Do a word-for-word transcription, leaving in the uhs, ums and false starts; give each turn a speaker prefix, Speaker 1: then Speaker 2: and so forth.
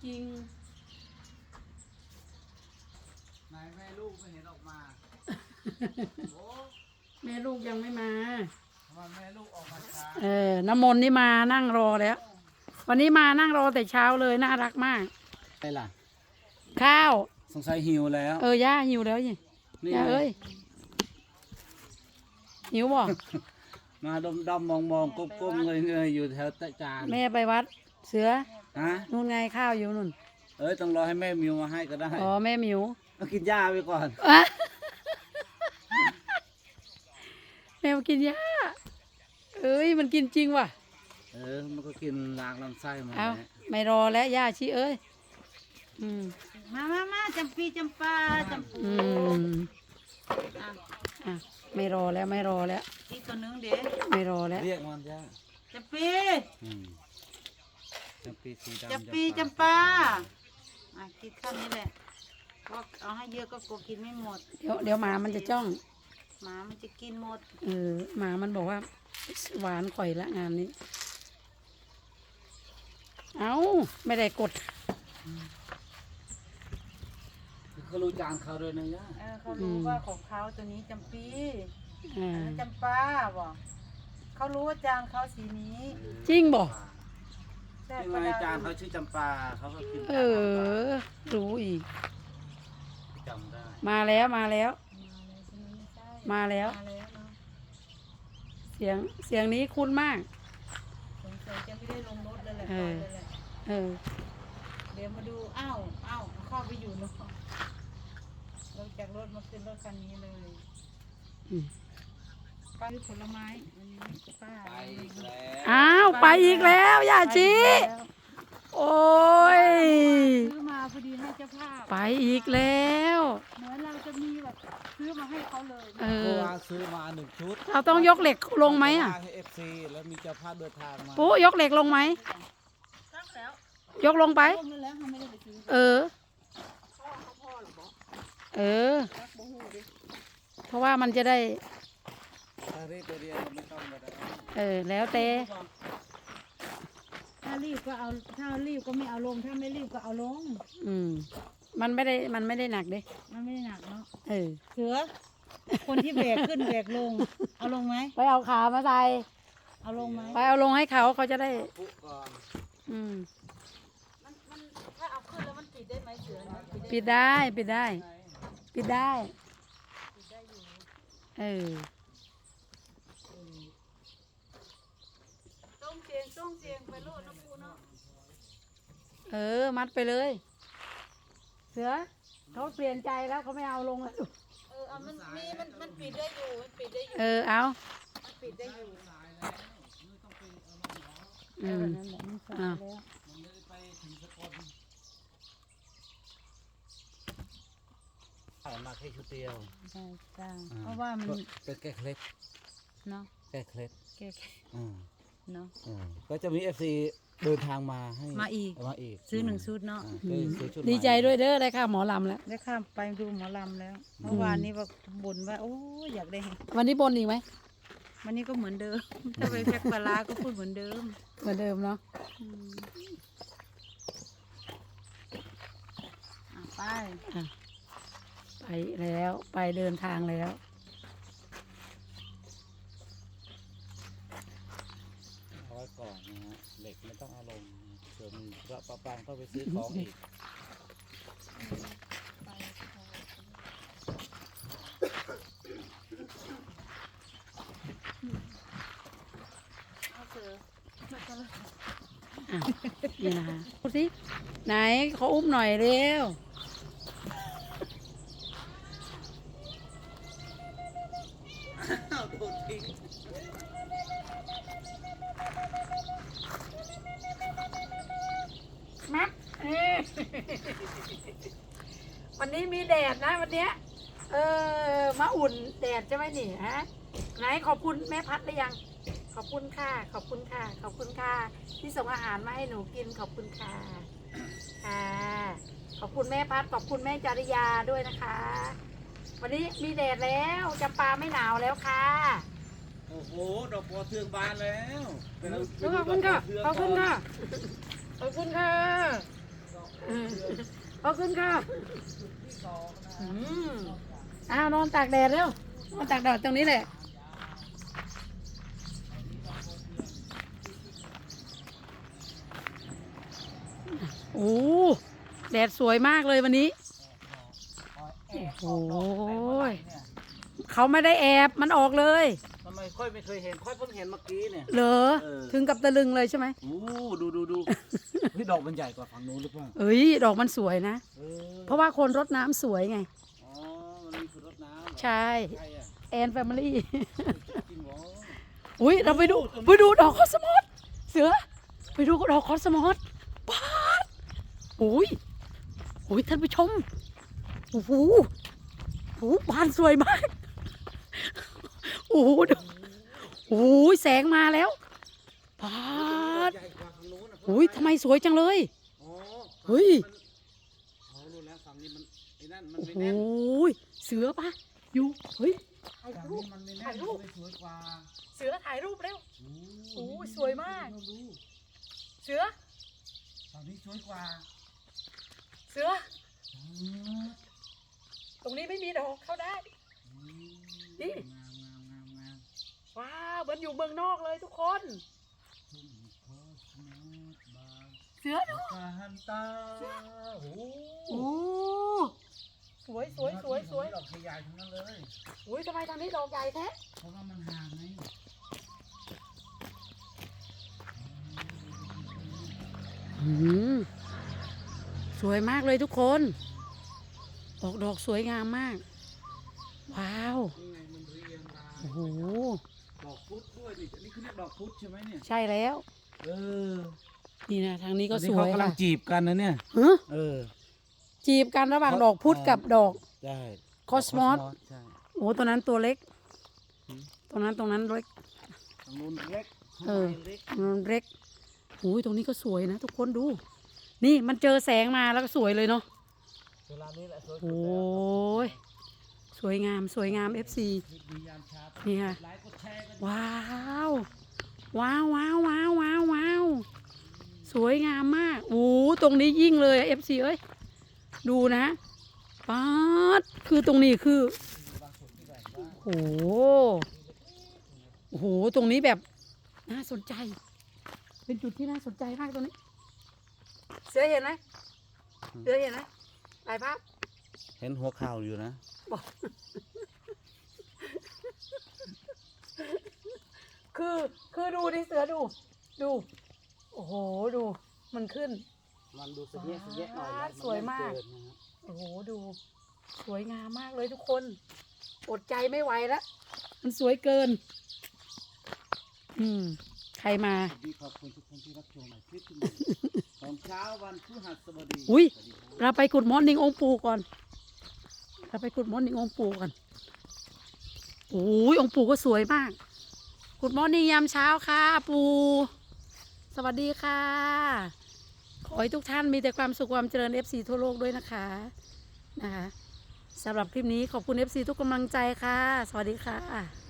Speaker 1: ริง
Speaker 2: นายแม่ลูกไม่เห็นออกมาโอ้
Speaker 1: ๆแม่ลูกยังไม่มา
Speaker 2: ทำไมแม่ลูกออกมาช้า
Speaker 1: เออน้ำมนต์นี่มานั่งรอแล้ว วันนี้มานั่งรอแต่เช้าเลยน่ารักมาก
Speaker 2: ไอ้ล่ะ
Speaker 1: ข้าว
Speaker 2: สงสัยหิวแล้ว
Speaker 1: เออย่าหิวแล้วยี่
Speaker 2: นี่
Speaker 1: ย่าเอ้ยหิวบ่
Speaker 2: มาดมดมมองมองก้มก้มเงยเงยอยู่แถวตะจาน
Speaker 1: แม่ไปวัด เสือ
Speaker 2: ฮะ
Speaker 1: นู่นไงข้าวอยู่นู่น
Speaker 2: เอ้ยต้องรอให้แม่มิวมาให้ก็ได้
Speaker 1: อ๋อแม่หมิว
Speaker 2: ต้องกินหญ้าไปก่อน
Speaker 1: อะแมวกินหญ้าเอ้ยมันกินจริงว่ะ
Speaker 2: เออมันก็กินล้างลำไส้มา
Speaker 1: เอา
Speaker 2: แล้ว
Speaker 1: ไม่รอแล้วย่าชีเอ้ยอืม
Speaker 3: มามามาจำปีจำปาจำปู
Speaker 1: อืม
Speaker 3: อ่ะ
Speaker 1: อ่ะไม่รอแล้วไม่รอแล้ว
Speaker 3: อีกตัวหนึงเด้
Speaker 1: ไม่รอแล้ว
Speaker 2: เรียกมันหญ้า
Speaker 3: จำปี
Speaker 2: อืมจำปีสีดำ
Speaker 3: จำปีจำปาอ่ะกินข้าวนี้แหละเพราะเอาให้เยอะก็กลัวกินไม่หมด
Speaker 1: เดี๋ยวเดี๋ยวหมามันจะจ้อง
Speaker 3: หมามันจะกินหมด
Speaker 1: เออหมามันบอกว่าหวานข่อยละงานนี้ เอาไม่ได้กด
Speaker 2: เขารู้จานเขาด้วยนะย่า
Speaker 3: เออเขารู้ว่าของเขาตัวนี้จำปี
Speaker 1: อ่า
Speaker 3: อันนั้นจำปาบอกเขารู้ว่าจานเขาสีนี้
Speaker 1: จริงบ่
Speaker 3: แต่
Speaker 2: ยัง
Speaker 3: ก็
Speaker 2: ไง
Speaker 3: ได้
Speaker 2: จานเขาชื่อจำปาเขาก็กิน
Speaker 1: เออ รู้อีก
Speaker 2: จำได้
Speaker 1: มาแล้วมาแล้ว
Speaker 3: มาเลยใช่
Speaker 1: มาแล้ว
Speaker 3: มาแล้วเนาะ
Speaker 1: เสียงเสียงนี้คุ้นมาก
Speaker 3: สงสัยจะไม่ได้ลงรถเลยแหละ
Speaker 1: เอ
Speaker 3: ไป
Speaker 1: อ
Speaker 3: เลยแหละ
Speaker 1: เออ
Speaker 3: เดี๋ยวมาดู อ้าวอ้าวเข้าไปอยู่เนาะลงจากรถมาขึ้นรถคันนี้เลย
Speaker 1: อืม
Speaker 3: ป้าซื้อผลไม้อันนี้ป้า
Speaker 2: ไปอีกแล้ว
Speaker 1: อ้าวไปอีกแล้วย่าชี
Speaker 3: ไปแล้ว
Speaker 1: โอ้ย
Speaker 3: ซื้อมาพอดีให้เจ้าภาพ
Speaker 1: ไปอีกแล้ว
Speaker 3: เหมือนเราจะมีแบบซื้อมาให้เขาเลย
Speaker 1: เอ
Speaker 2: เมื่อ
Speaker 1: อ
Speaker 2: วานซื้อมาหนึ่งชุด
Speaker 1: เราต้องยกเหล็กลงไหมอ่ะ
Speaker 2: ให้เอฟซีแล้วมีเจ้าภาพเดินทางมา
Speaker 1: ปุ๊ยกเหล็กลงไหม
Speaker 3: ตั้งแล้ว
Speaker 1: ยกลงไป
Speaker 3: ร่วมกันแล้วเขาไม่ได้ไปซื้อ
Speaker 1: เออ
Speaker 3: พ่อเขาพ่อหรอบอก
Speaker 1: เออ
Speaker 3: รักบ่ฮู้ดิ
Speaker 1: เพราะว่ามันจะได้
Speaker 2: ถ้ารีบไปเรียนเราไม่ต้องก็ได้
Speaker 1: เออ แล้วแต่
Speaker 3: ถ้ารีบก็เอาถ้ารีบก็ไม่เอาลงถ้าไม่รีบก็เอาลง
Speaker 1: อืม มันไม่ได้ มันไม่ได้หนักเด้
Speaker 3: มันไม่ได้หนักเนาะ
Speaker 1: เออ
Speaker 3: เสือคนที่แบกขึ้นแบกลง เอาลงไหม
Speaker 1: ไปเอาขามาใส่
Speaker 3: เอาลงไหม
Speaker 1: ไปเอาลงให้เขาเขาจะได้
Speaker 2: ปุ๊ก่อน
Speaker 1: อืม
Speaker 3: มันมันถ้าเอาขึ้นแล้วมันปิดได้ไหมเสือนะ
Speaker 1: ปิดได้ ปิดได้ ปิดได้ เออ
Speaker 3: ต้องเสียงต้องเสียงไปโลดนะปูเนาะ
Speaker 1: เออ มัดไปเลย เสือเขาเปลี่ยนใจแล้วเขาไม่เอาลงแล้ว
Speaker 3: เออเอามันมีมันมันปิดได้อยู่มันปิดได้อยู่
Speaker 1: เออ เอา
Speaker 3: มันปิดได้อยู่
Speaker 1: อืม
Speaker 3: นั่นแหละมันสาย
Speaker 1: อ้าว
Speaker 3: แล้ว
Speaker 2: มันไม่ได้ไปถึงสกลเอามาแค่ชุดเดียว
Speaker 3: ใช่จ้า
Speaker 2: อ่
Speaker 3: เพราะว่ามัน
Speaker 2: เป็นแก้เคล็ด
Speaker 3: เนาะ
Speaker 2: แก้เคล็ด
Speaker 3: แก่
Speaker 2: อืม
Speaker 3: ๆเนาะ
Speaker 2: อืมก็จะมีเอฟซีเดินทางมาให้
Speaker 3: มาอีก
Speaker 2: มาอีก
Speaker 3: ซื้อหนึ่งชุดเนาะ
Speaker 2: อ่ก็ซื้อชุด
Speaker 1: ดีใจด้วยเด้อได้ค่าหมอลำแล้ว
Speaker 3: ได้ข้ามไปดูหมอลำแล้ว เมื่อวานนี้ว่าบ่นว่าโอ้ยอยากได้เห็น
Speaker 1: วันนี้บนอีกไหม
Speaker 3: วันนี้ก็เหมือนเดิม ถ้าไปแพ็คปลาร้าก็พูดเหมือนเดิม
Speaker 1: เหมือนเดิมเนาะ
Speaker 3: อืมอ่ะไป
Speaker 1: อ่ะไปแล้ว ไปเดินทางแล้ว
Speaker 2: เอาไว้ก่อนนะฮะเหล็กไม่ต้องเอาลงเผื่อมีพระประปางก็ไปซื้อของอีก
Speaker 3: เอาเสือ
Speaker 1: อ่ะนี่นะคะดูสิไหนเขาอุ้มหน่อยเร็ว
Speaker 2: โดนทิ้ง
Speaker 1: มัดเอ้ยวันนี้มีแดดนะวันเนี้ยเออมาอุ่นแดดใช่ไหมนี่ฮะไหนขอบคุณแม่พัดหรือยัง ขอบคุณค่ะ ขอบคุณค่ะ ขอบคุณค่ะ ที่ส่งอาหารมาให้หนูกินขอบคุณค่ะค่ะขอบคุณแม่พัดขอบคุณแม่จริยาด้วยนะคะ วันนี้มีแดดแล้วจำปาไม่หนาวแล้วค่ะ
Speaker 2: โอ้โหดอกบัวเทืองบานแล้วไปดู
Speaker 1: ขอบคุณค่ะ
Speaker 2: ดก
Speaker 1: ขอบคุณ
Speaker 2: บัวเทืง
Speaker 1: ค่ะ ขอบคุณค่ะ
Speaker 2: ก่อน
Speaker 1: เออขอบคุณค่ะอืมอ้าวนอนตากแดดเร็วนอนตากแดดตรงนี้แหละโอ้แดดสวยมากเลยวันนี้โอ้โหเขาไม่ได้แอบมันออกเลย
Speaker 2: ทำไมค่อยไม่เคยเห็นค่อยเพิ่งเห็นเมื่อกี้เนี่ย
Speaker 1: เหรอ
Speaker 2: เออ
Speaker 1: ถึงกับตะลึงเลยใช่ไหม
Speaker 2: โอ้ดูดูดูพี่ดอกมันใหญ่กว่าฝั่งนู้นหรือเปล่า
Speaker 1: เอ้ยดอกมันสวยนะ
Speaker 2: เออ
Speaker 1: เพราะว่าคนรดน้ำสวยไง
Speaker 2: อ๋อมันมีคนรดน้ำเหรอ
Speaker 1: ใช่
Speaker 2: ใช่อะ
Speaker 1: แอนแฟมิลี่
Speaker 2: จริงเหรอ
Speaker 1: อุ้ยเราไปดูไปดูดอกคอสมอสเสือไปดูดอกคอสมอสป๊าดโอ้ยโอ้ยท่านผู้ชมโอ้โหโอ้โหบานสวยมากโอ้โหดูโอ้ยแสงมาแล้วป๊าด
Speaker 2: ใหญ่กว่าฝั่งนู้นนะ
Speaker 1: โอ้ยทำไมสวยจังเลย
Speaker 2: อ๋อ
Speaker 1: เฮ้ย
Speaker 2: อ๋อรู้แล้วฝั่งนี้มันไอ้นั่นมัน
Speaker 1: โอ้
Speaker 2: ไม่
Speaker 1: โห
Speaker 2: แน่น
Speaker 1: เสือปะอยู่เฮ้ยถ่าย
Speaker 2: ฝั่ง
Speaker 1: รู
Speaker 2: นี้
Speaker 1: ป
Speaker 2: มันไม่แน่
Speaker 1: ถ่าน ยรูป
Speaker 2: มันสวยกว่า
Speaker 1: เสือถ่ายรูปเร็ว
Speaker 2: โอ้
Speaker 1: โอ้ยสวยมาก
Speaker 2: ดูดู
Speaker 1: เสือ
Speaker 2: ฝั่งนี้สวยกว่า
Speaker 1: เสือ
Speaker 2: อืม
Speaker 1: ตรงนี้ไม่มีดอกเข้าได้ นี่
Speaker 2: งามงามงามงาม
Speaker 1: ว้าวเหมือนอยู่เมืองนอกเลยทุกคน
Speaker 2: ทุ่งโคสโนดบาง
Speaker 1: เสือดู
Speaker 2: กาฮันตาโอ้
Speaker 1: โอ้สวยสวยสวยสวย
Speaker 2: ดอกใหญ่ๆทั้งนั้นเลย
Speaker 1: อุ้ยทำไมทางนี้ดอกใหญ่แท้
Speaker 2: เพราะว่ามันห่างไง
Speaker 1: อืมสวยมากเลยทุกคนออกดอกสวยงามมาก ว้าว
Speaker 2: นี่ไงมันเรียงราย
Speaker 1: โอ้โห
Speaker 2: ดอกพุธด้วยนี่นี่คือเรียกดอกพุธใช่ไหมเนี่ย
Speaker 1: ใช่แล้ว
Speaker 2: เออ
Speaker 1: นี่นะทางนี้ก็
Speaker 2: อัน
Speaker 1: ส
Speaker 2: นี้
Speaker 1: ว
Speaker 2: เขา
Speaker 1: ย
Speaker 2: กำลั
Speaker 1: ค่ะ
Speaker 2: งจีบกันนะเนี่ย
Speaker 1: ฮะ
Speaker 2: เออ
Speaker 1: จีบกันระหว่างดอกพุธกับดอก
Speaker 2: ใช่
Speaker 1: คอสมอส
Speaker 2: ใช่
Speaker 1: โอ้ตัวนั้นตัวเล็ก
Speaker 2: หืม
Speaker 1: ตรงนั้นตรงนั้นเล็ก
Speaker 2: ทางนู้นเล็ก
Speaker 1: เออ
Speaker 2: ข้างในเล็ก
Speaker 1: ตรงนั้นเล็กโอ้ยตรงนี้ก็สวยนะทุกคนดู นี่มันเจอแสงมาแล้วก็สวยเลยเนาะ
Speaker 2: เวลานี้แหละสวยสุด
Speaker 1: โอ้
Speaker 2: แล้ว
Speaker 1: ย สวยงามสวยงาม เอฟ ซี
Speaker 2: คลิปดียามเช้า
Speaker 1: นี่ค่ะ
Speaker 2: กดไลค์กดแชร์กัน
Speaker 1: ว้าว ว้าวว้าวว้าวว้าวว้าวสวยงามมากโอ้ตรงนี้ยิ่งเลยเอฟซีเอ้ย ดูนะป๊าดคือตรงนี้คือ
Speaker 2: บางส่วนที่แบบว่า
Speaker 1: โอ้โหโอ้โห ตรงนี้แบบน่าสนใจ เป็นจุดที่น่าสนใจมากตรงนี้ เสือเห็นไหมเสือเห็นไหมถ่ายภาพ
Speaker 2: เห็นหัวข่าวอยู่นะ
Speaker 1: บอก คือ คือดูดิเสือดู ดู โอ้โห ดู มันขึ้น
Speaker 2: มันดูสะเยะสะเยะหน่อยนะ
Speaker 1: สวยมาก
Speaker 2: นเกินนะฮะ
Speaker 1: โอ้โห ดู สวยงามมากเลยทุกคน อดใจไม่ไหวแล้ว มันสวยเกิน อืม ใครมา
Speaker 2: สวัสดีขอบคุณทุกคนที่รับชมในคลิปที่นี้ตอนเช้าวันพฤหัสบดี
Speaker 1: อุ๊ย
Speaker 2: สวัสดีครับ
Speaker 1: เราไปกุดมอร์นิ่งองค์ปู่ก่อน เราไปกุดมอร์นิ่งองค์ปู่ก่อนโอ้ยองค์ปู่ก็สวยมาก กุดมอร์นิ่งยามเช้าค่ะ ปู่ สวัสดีค่ะ ขอให้ทุกท่านมีแต่ความสุขความเจริญ เอฟ ซี ทั่วโลกด้วยนะคะ นะคะสำหรับคลิปนี้ขอบคุณ เอฟ ซี ทุกกำลังใจค่ะ สวัสดีค่ะ